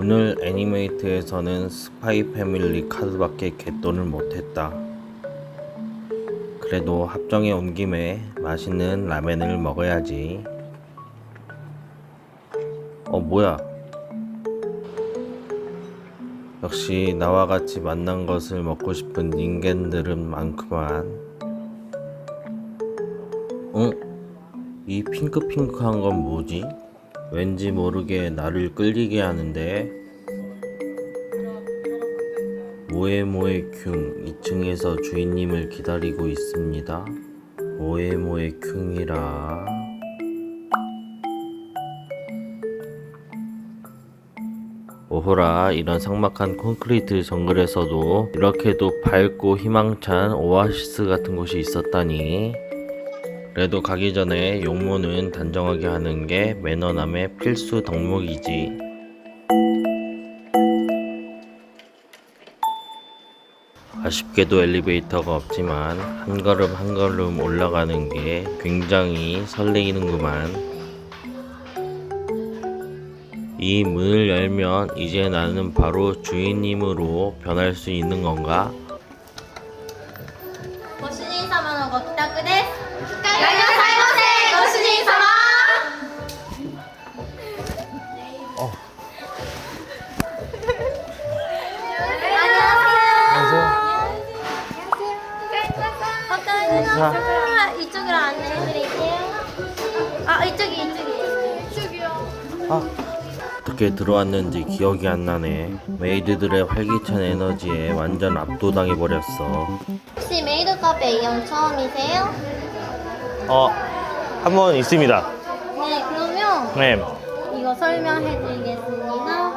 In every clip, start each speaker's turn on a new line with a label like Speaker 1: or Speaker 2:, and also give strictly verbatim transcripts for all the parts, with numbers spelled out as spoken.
Speaker 1: 오늘 애니메이트에서는 스파이 패밀리 카드밖에 갯돈을 못했다. 그래도 합정에 온 김에 맛있는 라멘을 먹어야지. 어 뭐야, 역시 나와 같이 만난 것을 먹고 싶은 닌겐들은 많구만. 응? 이 핑크핑크한 건 뭐지? 왠지 모르게 나를 끌리게 하는데. 모에모에 큉 이 층에서 주인님을 기다리고 있습니다. 모에모에 큉이라. 오호라, 이런 삭막한 콘크리트 정글에서도 이렇게도 밝고 희망찬 오아시스 같은 곳이 있었다니. 그래도 가기 전에 용모는 단정하게 하는 게 매너남의 필수 덕목이지. 아쉽게도 엘리베이터가 없지만 한 걸음 한 걸음 올라가는 게 굉장히 설레이는구만. 이 문을 열면 이제 나는 바로 주인님으로 변할 수 있는 건가?
Speaker 2: ご主人様のご帰宅です。お帰りなさいませ、ご主人様。
Speaker 1: 어.
Speaker 2: 안녕하세요. 이쪽으로 안내해드릴게요. 아, 이쪽이 이쪽이. 이쪽이요.
Speaker 1: 아, 어떻게 들어왔는지 기억이 안 나네. 메이드들의 활기찬 에너지에 완전 압도당해 버렸어.
Speaker 2: 혹시 메이드 카페 이용 처음이세요?
Speaker 1: 어, 한 번 있습니다.
Speaker 2: 네, 그러면
Speaker 1: 네.
Speaker 2: 이거 설명해드리겠습니다.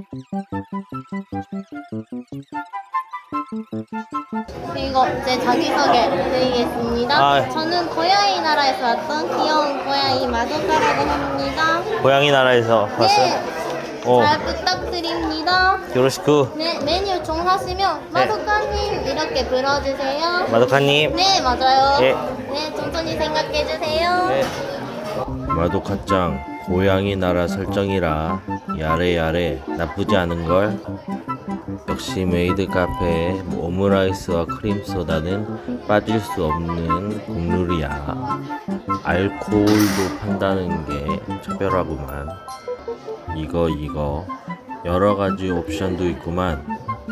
Speaker 2: 이거 제 자기소개 드리겠습니다.
Speaker 1: 아.
Speaker 2: 저는 고양이 나라에서 왔던 귀여운 고양이 마도카라고 합니다.
Speaker 1: 고양이 나라에서 왔어요?
Speaker 2: 네,
Speaker 1: 어,
Speaker 2: 잘 부탁드립니다.
Speaker 1: 요로시쿠.
Speaker 2: 네, 메뉴 정하시면 마도카님 이렇게 불러주세요.
Speaker 1: 마도카님.
Speaker 2: 네, 맞아요.
Speaker 1: 예.
Speaker 2: 네, 천천히 생각해주세요.
Speaker 1: 네. 마도카짱, 고양이 나라 설정이라 야래야래 나쁘지 않은걸? 역시 메이드 카페에 오므라이스와 크림소다는 빠질 수 없는 국룰이야. 알코올도 판다는 게 차별하구만. 이거 이거 여러가지 옵션도 있구만.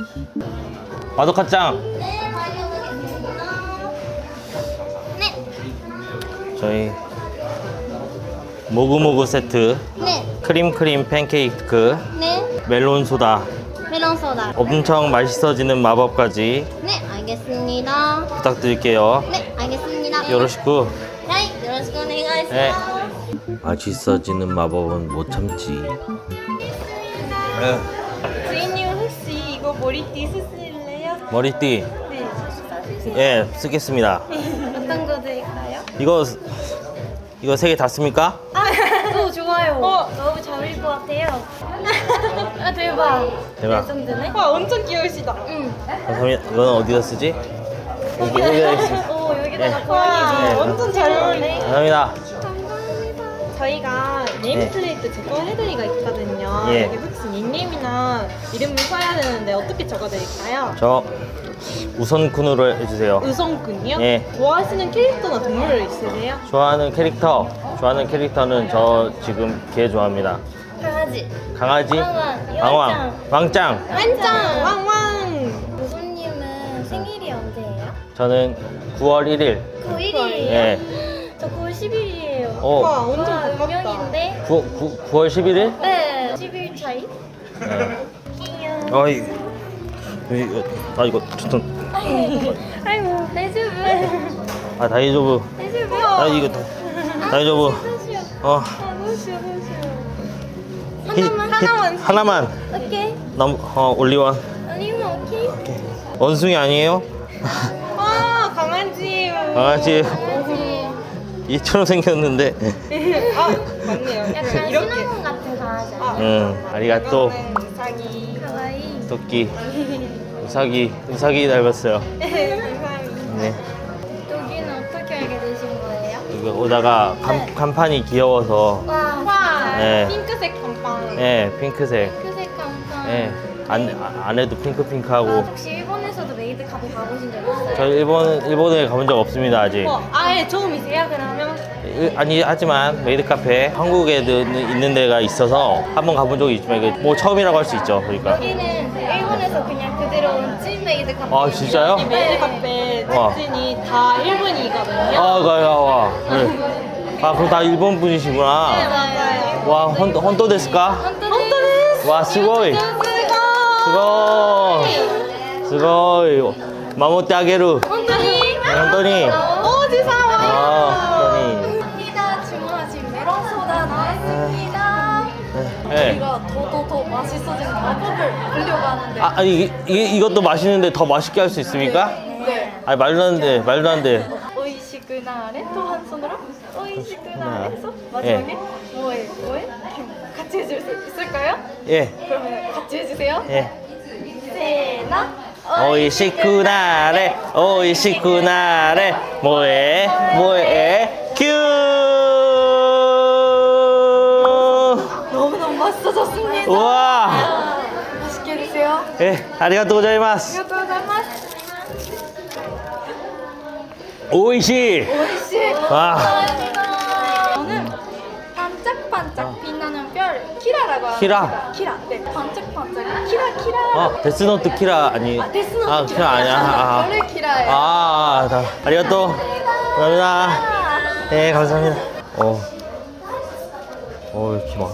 Speaker 1: 마도카짱!
Speaker 2: 네, 다녀오겠습니다. 네,
Speaker 1: 저희 모구모구 세트,
Speaker 2: 네,
Speaker 1: 크림크림 팬케이크,
Speaker 2: 네.
Speaker 1: 멜론 소다,
Speaker 2: 멜론 소다.
Speaker 1: 엄청 맛있어지는 마법까지
Speaker 2: 네, 알겠습니다.
Speaker 1: 부탁드릴게요.
Speaker 2: 네, 알겠습니다.
Speaker 1: 요로시쿠.
Speaker 2: 네, 요로시ku 오네가이시마스.
Speaker 1: 네. 맛있어지는 마법은 못 참지.
Speaker 3: 주인님 혹시 이거 머리띠 쓰실래요?
Speaker 1: 머리띠,
Speaker 3: 네.
Speaker 1: 예, 쓰겠습니다.
Speaker 3: 어떤 거 드릴까요?
Speaker 1: 이거 이거 세 개 다 씁니까?
Speaker 3: 아, 오 좋아요. 어, 너무 잘 어울릴 것 같아요. 아 대박.
Speaker 1: 대박.
Speaker 3: 레전드네. 와 엄청 귀여우시다. 응.
Speaker 1: 감사합니다. 이거는 어디다 쓰지? 여기 여기다 있습니다.
Speaker 3: 오 여기다가
Speaker 1: 네.
Speaker 3: 고양이.
Speaker 1: 네.
Speaker 3: 완전 잘 어울리네.
Speaker 1: 감사합니다.
Speaker 3: 저희가 네임플레이트 제거 해드리가 있거든요.
Speaker 1: 예.
Speaker 3: 여기 혹시 닉네임이나 이름을 써야 되는데 어떻게 적어드릴까요?
Speaker 1: 저 우선쿤으로 해주세요.
Speaker 3: 의성군요?
Speaker 1: 예.
Speaker 3: 좋아하시는 캐릭터나 동물 있으세요?
Speaker 1: 좋아하는 캐릭터, 좋아하는 캐릭터는 저 지금 개 좋아합니다.
Speaker 2: 강아지.
Speaker 1: 강아지,
Speaker 2: 왕왕,
Speaker 1: 왕왕, 왕짱.
Speaker 3: 완짱! 왕왕!
Speaker 2: 교수님은 생일이 언제예요?
Speaker 1: 저는 구월 일일.
Speaker 2: 구일이에요?
Speaker 1: 예.
Speaker 2: 저 구월 십일이에요.
Speaker 1: 어,
Speaker 3: 와 완전
Speaker 2: 와,
Speaker 3: 가깝다.
Speaker 2: 운명인데?
Speaker 1: 구, 구, 구월 십일일?
Speaker 2: 네, 십 일 차이?
Speaker 1: 네.
Speaker 2: 귀여워.
Speaker 1: 어이, 이거, 아 이거 좋던.
Speaker 2: 아이고, 대주부.
Speaker 1: 아 다이조부.
Speaker 2: 대주부.
Speaker 1: 아 이거 다, 다이조부. 어.
Speaker 3: 아 너무 싫어 너무 싫어.
Speaker 1: 히-
Speaker 2: 하나만.
Speaker 1: 히-
Speaker 3: 하나만.
Speaker 1: 하나만.
Speaker 2: 오케이.
Speaker 1: 넘, 어 올리원.
Speaker 2: 아니면 오케이.
Speaker 1: 원숭이 아니에요?
Speaker 3: 아 강아지.
Speaker 1: 강아지.
Speaker 2: 강아지.
Speaker 1: 얘처럼 생겼는데.
Speaker 3: 아 맞네요.
Speaker 2: 약간
Speaker 3: 이렇게.
Speaker 2: 시나몬 같은 강아지 아니야?
Speaker 1: 응. 아리가또.
Speaker 3: 이거는 우사기.
Speaker 2: 가와이.
Speaker 1: 토끼. 우사기. 우사기 닮았어요.
Speaker 3: 감사합니다.
Speaker 1: 네.
Speaker 2: 여기는 어떻게 알게 되신 거예요?
Speaker 1: 이거 오다가 간, 간판이 귀여워서.
Speaker 2: 와,
Speaker 3: 와
Speaker 1: 네.
Speaker 3: 핑크색 감빵.
Speaker 1: 네, 핑크색.
Speaker 2: 핑크색 간판.
Speaker 1: 예. 안, 아, 안에도 핑크핑크하고.
Speaker 3: 아, 혹시 일본에서도 메이드 카페 가보신 적 있어요?
Speaker 1: 저 일본, 일본에 가본 적 없습니다, 아직.
Speaker 3: 어, 아예 처음이세요 그러면?
Speaker 1: 일- 아니, 하지만 메이드 카페 한국에도 있는 데가 있어서 한번 가본 적이 있지만 이게 뭐 처음이라고 할 수 있죠. 그러니까.
Speaker 3: 여기는 일본에서 그냥 그대로 온 찐 메이드 카페.
Speaker 1: 아, 진짜요?
Speaker 3: 이 메이드 카페
Speaker 1: 와.
Speaker 3: 특징이 다 일본이거든요.
Speaker 1: 아, 가야, 와. 네. 아, 그럼 다 일본 분이시구나.
Speaker 3: 네, 맞아요.
Speaker 1: 와, 헌, 헌또 데스까?
Speaker 3: 헌터데스.
Speaker 1: 와, 스고이. 스고이. 스고이. 마모테 아게루.
Speaker 3: 헌터니.
Speaker 1: 헌터니.
Speaker 3: 오, 지사와.
Speaker 1: 아, 헌터니.
Speaker 2: 감사합니다. 주문하신 메론 소다 나왔습니다.
Speaker 1: 네.
Speaker 2: 우리가 더 더 더 맛있어지는 방법을 보려고 하는데.
Speaker 1: 아, 아니, 이, 이, 이것도 맛있는데 더 맛있게 할 수 있습니까?
Speaker 2: 네.
Speaker 1: 아니, 말도 안 돼, 말도 안 돼.
Speaker 2: 오이시쿠나레 또 한 손으로 오이시쿠나레 해서
Speaker 1: 예.
Speaker 2: 마지막에 뭐해 뭐해 같이 해줄 수 있을까요?
Speaker 1: 예,
Speaker 2: 그러면 같이 해주세요.
Speaker 1: 예.
Speaker 2: 세나
Speaker 1: 오이시쿠나레, 오이시쿠나레, 뭐해, 뭐해, 큐!
Speaker 2: 너무너무 맛있어졌습니다.
Speaker 1: 우와!
Speaker 2: 맛있게 드세요.
Speaker 1: 예, 아리가또 고자이마스.
Speaker 2: 감사합니다.
Speaker 1: 오이시!
Speaker 2: 오이시.
Speaker 1: 와.
Speaker 2: 감사합니다. 저는 반짝반짝 빛나는 별 키라라고 합니다.
Speaker 1: 키라?
Speaker 2: 키라. 네. 반짝반짝 키라 키라.
Speaker 1: 어, 데스노트 키라 아니.
Speaker 2: 아, 데스노트
Speaker 1: 아, 키라 아니야. 아,
Speaker 2: 별의 키라예요.
Speaker 1: 아, 아, 다. 아리가또. 감사합니다. 네, 감사합니다. 어. 어, 이렇게 막.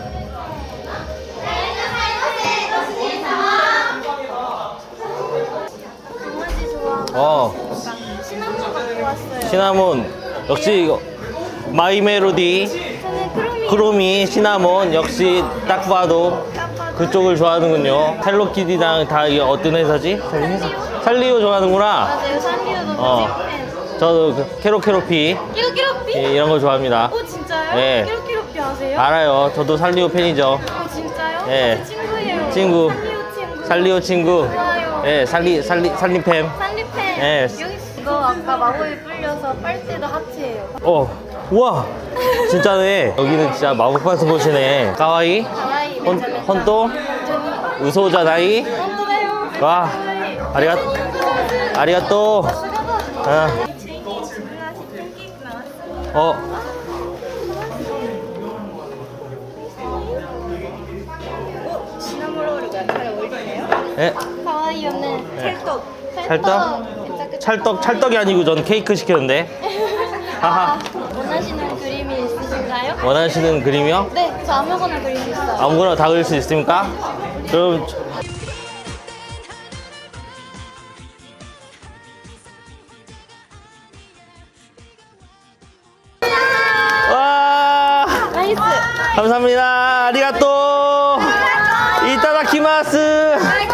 Speaker 3: 강아지 좋아하고
Speaker 1: 어,
Speaker 3: 시나몬 갖고 왔어요.
Speaker 1: 시나몬. 역시 이거 마이 멜로디.
Speaker 3: 저는 크로미
Speaker 1: 크로미, 시나몬. 역시 딱 봐도 그쪽을 좋아하는군요. 헬로키티랑 다 이게 어떤 회사지? 살리오 좋아하는구나.
Speaker 3: 맞아요. 산리오도
Speaker 1: 어.
Speaker 3: 찐팬.
Speaker 1: 저도 그 캐로캐로피
Speaker 3: 끼로끼로삐?
Speaker 1: 예, 이런 거 좋아합니다.
Speaker 3: 오 진짜요?
Speaker 1: 네.
Speaker 3: 끼로끼로삐 아세요?
Speaker 1: 알아요. 저도 살리오 팬이죠.
Speaker 3: 오 진짜요?
Speaker 1: 예.
Speaker 3: 제 친구예요.
Speaker 1: 친구.
Speaker 3: 산리오 친구.
Speaker 1: 살리오 친구.
Speaker 3: 좋아요.
Speaker 1: 예, 살리 살리 살림팸.
Speaker 3: 산리팬.
Speaker 1: 예.
Speaker 3: 여기 이거 아까 마법에 불려서 빨대도 하트예요.
Speaker 1: 어, 우와, 진짜네. 여기는 진짜 마법 같은 곳이네. 가와이,
Speaker 3: 가와이
Speaker 1: 헌
Speaker 3: 메자메자.
Speaker 1: 헌또, 우소자나이.
Speaker 3: 헌또다요.
Speaker 1: 와, 아리가 아리가또. 아, 어,
Speaker 3: 시나몬 롤가 잘 어울리네요.
Speaker 1: 예,
Speaker 3: 가와이요는
Speaker 1: 네.
Speaker 3: 찰떡.
Speaker 1: 찰떡? 찰떡, 찰떡이 아니고 저는 케이크 시켰는데. 하하.
Speaker 3: 원하시는 그림이 있으신가요?
Speaker 1: 원하시는 그림이요?
Speaker 3: 네, 저 아무거나 그릴 수 있어요.
Speaker 1: 아무거나 다 그릴 수 있습니까? 그럼 저- 와,
Speaker 3: 나이스.
Speaker 1: 감사합니다. 아리가또. 이따다키마스.